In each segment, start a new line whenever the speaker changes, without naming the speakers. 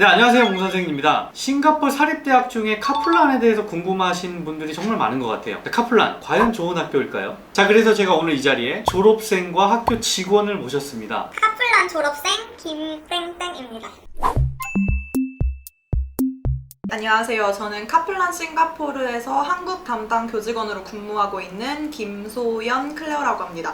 네, 안녕하세요. 옹 선생님입니다. 싱가포르 사립대학 중에 카플란에 대해서 궁금하신 분들이 정말 많은 것 같아요. 카플란, 과연 좋은 학교일까요? 자, 그래서 제가 오늘 이 자리에 졸업생과 학교 직원을 모셨습니다.
카플란 졸업생 김땡땡입니다.
안녕하세요. 저는 카플란 싱가포르에서 한국 담당 교직원으로 근무하고 있는 김소연 클레어라고 합니다.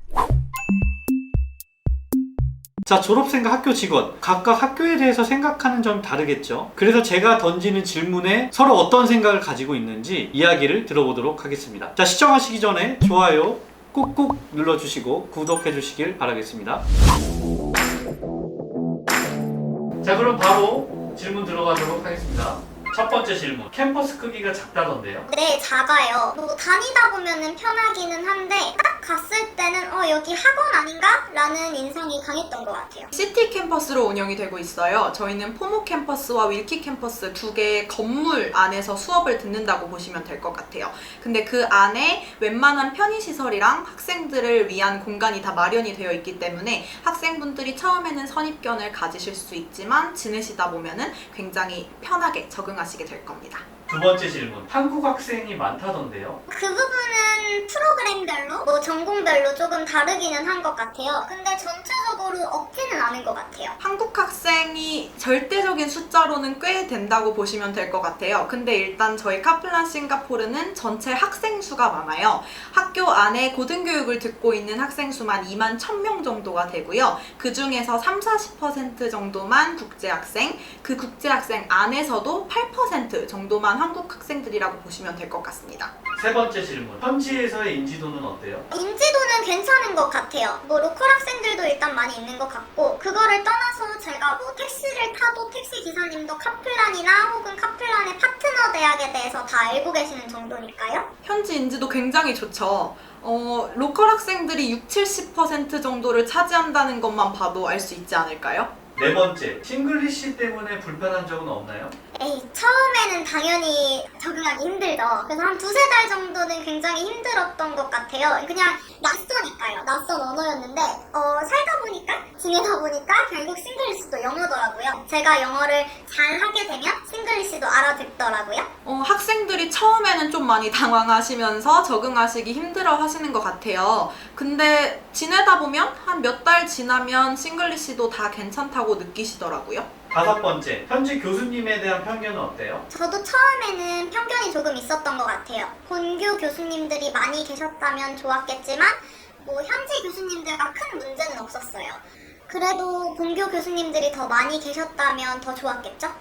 자, 졸업생과 학교 직원, 각각 학교에 대해서 생각하는 점이 다르겠죠. 그래서 제가 던지는 질문에 서로 어떤 생각을 가지고 있는지 이야기를 들어보도록 하겠습니다. 자, 시청하시기 전에 좋아요 꾹꾹 눌러주시고 구독해주시길 바라겠습니다. 자, 그럼 바로 질문 들어가도록 하겠습니다. 첫 번째 질문, 캠퍼스 크기가 작다던데요?
네, 작아요. 다니다 보면은 편하기는 한데 딱 갔을 때는 여기 학원 아닌가? 라는 인상이 강했던 것 같아요.
시티 캠퍼스로 운영이 되고 있어요. 저희는 포모 캠퍼스와 윌키 캠퍼스 두 개의 건물 안에서 수업을 듣는다고 보시면 될 것 같아요. 근데 그 안에 웬만한 편의시설이랑 학생들을 위한 공간이 다 마련이 되어 있기 때문에 학생분들이 처음에는 선입견을 가지실 수 있지만 지내시다 보면은 굉장히 편하게 적응하시게 될 겁니다.
두 번째 질문, 한국 학생이 많다던데요?
그 부분은 프로그램별로, 전공별로 조금 다르기는 한 것 같아요. 근데 전체적으로 없지는 않은 것 같아요.
한국 학생이 절대적인 숫자로는 꽤 된다고 보시면 될 것 같아요. 근데 일단 저희 카플란 싱가포르는 전체 학생 수가 많아요. 학교 안에 고등교육을 듣고 있는 학생 수만 2만 1000명 정도가 되고요. 그 중에서 30-40% 정도만 국제학생, 그 국제학생 안에서도 8% 정도만 한국 학생들이라고 보시면 될 것 같습니다.
세 번째 질문, 현지에서의 인지도는 어때요?
인지도는 괜찮은 것 같아요. 로컬 학생들도 일단 많이 있는 것 같고, 그거를 떠나서 제가 택시를 타도 택시 기사님도 카플란이나 혹은 카플란의 파트너 대학에 대해서 다 알고 계시는 정도니까요.
현지 인지도 굉장히 좋죠. 로컬 학생들이 60-70% 정도를 차지한다는 것만 봐도 알 수 있지 않을까요?
네 번째, 싱글리시 때문에 불편한 적은 없나요?
처음에는 당연히 적응하기 힘들죠. 그래서 한 2-3달 정도는 굉장히 힘들었던 것 같아요. 그냥 낯서니까요. 낯선 언어였는데 살다 보니까, 지내다 보니까 결국 싱글리시도 영어더라고요. 제가 영어를 잘 하게 되면 싱글리시도 알아듣더라고요.
학생들이 처음에는 좀 많이 당황하시면서 적응하시기 힘들어 하시는 것 같아요. 근데 지내다 보면 한 몇 달 지나면 싱글리시도 다 괜찮다고 느끼시더라고요.
다섯 번째, 현지 교수님에 대한 편견은 어때요?
저도 처음에는 편견이 조금 있었던 것 같아요. 본교 교수님들이 많이 계셨다면 좋았겠지만 현지 교수님들과 큰 문제는 없었어요. 그래도 본교 교수님들이 더 많이 계셨다면 더 좋았겠죠?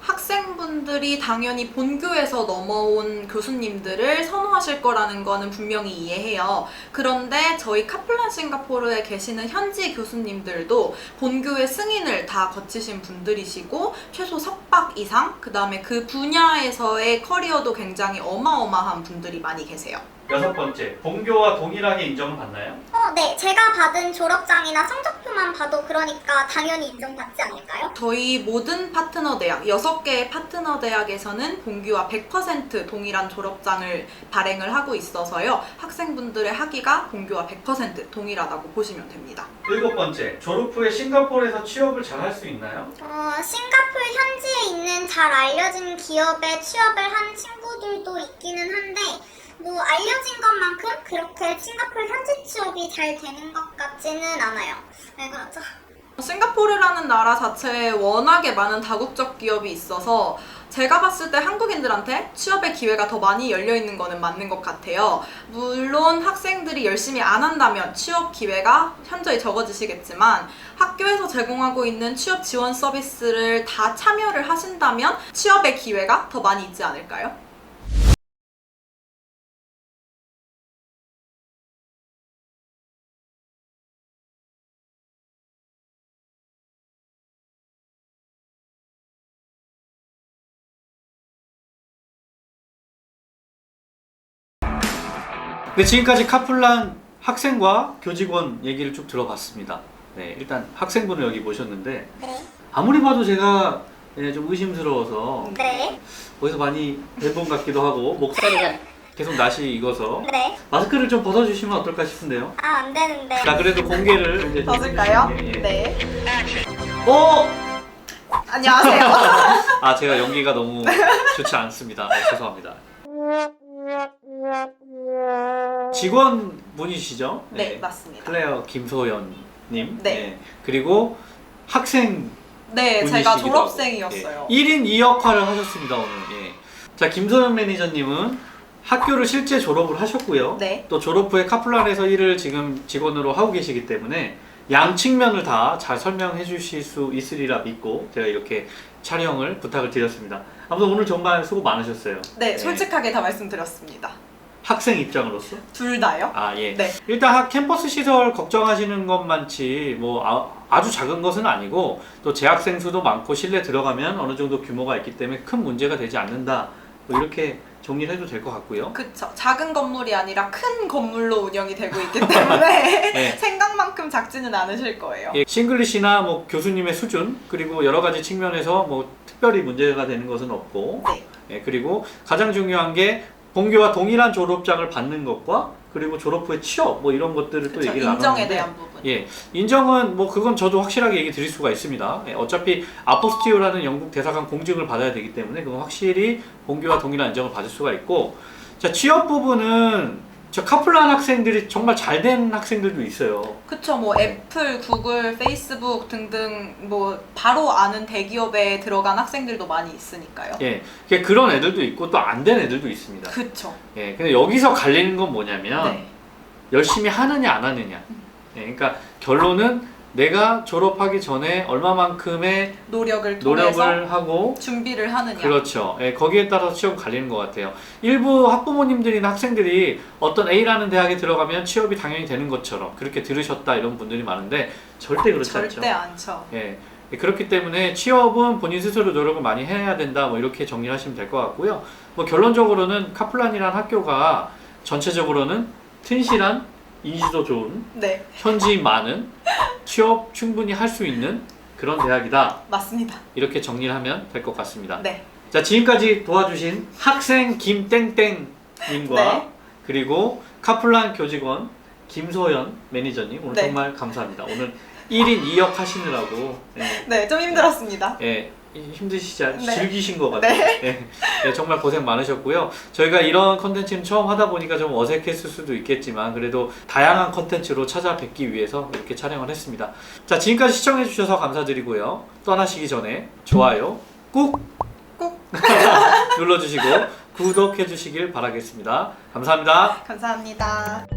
학생분들이 당연히 본교에서 넘어온 교수님들을 선호하실 거라는 거는 분명히 이해해요. 그런데 저희 카플란 싱가포르에 계시는 현지 교수님들도 본교의 승인을 다 거치신 분들이시고 최소 석박 이상, 그 다음에 그 분야에서의 커리어도 굉장히 어마어마한 분들이 많이 계세요.
여섯 번째, 본교와 동일하게 인정을 받나요?
네. 제가 받은 졸업장이나 성적표만 봐도 그러니까 당연히 인정받지 않을까요?
저희 모든 파트너 대학, 6개의 파트너 대학에서는 본교와 100% 동일한 졸업장을 발행을 하고 있어서요. 학생분들의 학위가 본교와 100% 동일하다고 보시면 됩니다.
일곱 번째, 졸업 후에 싱가포르에서 취업을 잘 할 수 있나요?
싱가포르 현지에 있는 잘 알려진 기업에 취업을 한 친구들도 있기는 한데 알려진 것만큼 그렇게 싱가포르 현지 취업이 잘 되는 것 같지는 않아요. 왜 그러죠?
싱가포르라는 나라 자체에 워낙에 많은 다국적 기업이 있어서 제가 봤을 때 한국인들한테 취업의 기회가 더 많이 열려있는 거는 맞는 것 같아요. 물론 학생들이 열심히 안 한다면 취업 기회가 현저히 적어지시겠지만 학교에서 제공하고 있는 취업 지원 서비스를 다 참여를 하신다면 취업의 기회가 더 많이 있지 않을까요?
네, 지금까지 카플란 학생과 교직원 얘기를 쭉 들어봤습니다. 네, 일단 학생분을 여기 모셨는데
네.
아무리 봐도 제가 좀 의심스러워서
네.
어디서 많이 뵌분 같기도 하고 목소리가 계속 낯이 익어서
네.
마스크를 좀 벗어주시면 어떨까 싶은데요.
안 되는데.
자, 그래도 공개를 이제 좀
벗을까요?
해주시는 게, 예.
네.
어?
안녕하세요.
아, 제가 연기가 너무 좋지 않습니다. 죄송합니다. 직원분이시죠?
네, 맞습니다.
클레어 김소연님.
네.
그리고 학생
네,
분이시기도
제가
하고.
졸업생이었어요.
1인 2역할을 하셨습니다, 오늘. 예. 자, 김소연 매니저님은 학교를 실제 졸업을 하셨고요.
네.
또 졸업 후에 카플란에서 일을 지금 직원으로 하고 계시기 때문에 양 측면을 다 잘 설명해 주실 수 있으리라 믿고 제가 이렇게 촬영을 부탁을 드렸습니다. 아무튼 오늘 정말 수고 많으셨어요.
네, 솔직하게 다 말씀드렸습니다.
학생 입장으로서?
둘 다요?
아, 예.
네.
일단 캠퍼스 시설 걱정하시는 것만치 뭐 아주 작은 것은 아니고 또 재학생 수도 많고 실내 들어가면 어느 정도 규모가 있기 때문에 큰 문제가 되지 않는다. 뭐 이렇게 정리를 해도 될 것 같고요.
그쵸. 작은 건물이 아니라 큰 건물로 운영이 되고 있기 때문에
네.
생각만큼 작지는 않으실 거예요.
예, 싱글리시나 뭐 교수님의 수준 그리고 여러 가지 측면에서 뭐 특별히 문제가 되는 것은 없고
네.
예, 그리고 가장 중요한 게 본교와 동일한 졸업장을 받는 것과 그리고 졸업 후에 취업 뭐 이런 것들을 또
그쵸.
얘기를
인정에
나눴는데
대한 부분.
예, 인정은 뭐 그건 저도 확실하게 얘기 드릴 수가 있습니다. 예, 어차피 아포스티오라는 영국 대사관 공증을 받아야 되기 때문에 그건 확실히 본교와 동일한 인정을 받을 수가 있고 자 취업 부분은 저 카플란 학생들이 정말 잘 된 학생들도 있어요.
그쵸. 뭐 애플, 구글, 페이스북 등등 뭐 바로 아는 대기업에 들어간 학생들도 많이 있으니까요.
예, 그런 애들도 있고 또 안 된 애들도 있습니다.
그쵸.
예, 근데 여기서 갈리는 건 뭐냐면
네.
열심히 하느냐 안 하느냐. 예, 그러니까 결론은 내가 졸업하기 전에 얼마만큼의
노력을 통해서
노력을 하고
준비를 하느냐.
그렇죠. 예, 거기에 따라서 취업 갈리는 것 같아요. 일부 학부모님들이나 학생들이 어떤 A라는 대학에 들어가면 취업이 당연히 되는 것처럼 그렇게 들으셨다 이런 분들이 많은데 절대 그렇지 않죠.
절대 않죠.
예, 그렇기 때문에 취업은 본인 스스로 노력을 많이 해야 된다. 뭐 이렇게 정리를 하시면 될 것 같고요. 뭐 결론적으로는 카플란이라는 학교가 전체적으로는 튼실한 인지도 좋은
네,
현지인 많은 취업 충분히 할 수 있는 그런 대학이다.
맞습니다.
이렇게 정리를 하면 될 것 같습니다.
네.
자, 지금까지 도와주신 학생 김땡땡님과
네.
그리고 카플란 교직원 김소연 매니저님 오늘
네.
정말 감사합니다. 오늘 1인 2역 하시느라고
네, 좀 힘들었습니다.
힘드시지 않
네.
즐기신 것 같아요. 정말 고생 많으셨고요. 저희가 이런 컨텐츠는 처음 하다 보니까 좀 어색했을 수도 있겠지만 그래도 다양한 컨텐츠로 찾아뵙기 위해서 이렇게 촬영을 했습니다. 자, 지금까지 시청해 주셔서 감사드리고요. 떠나시기 전에 좋아요 꾹 눌러주시고 구독해 주시길 바라겠습니다. 감사합니다.
감사합니다.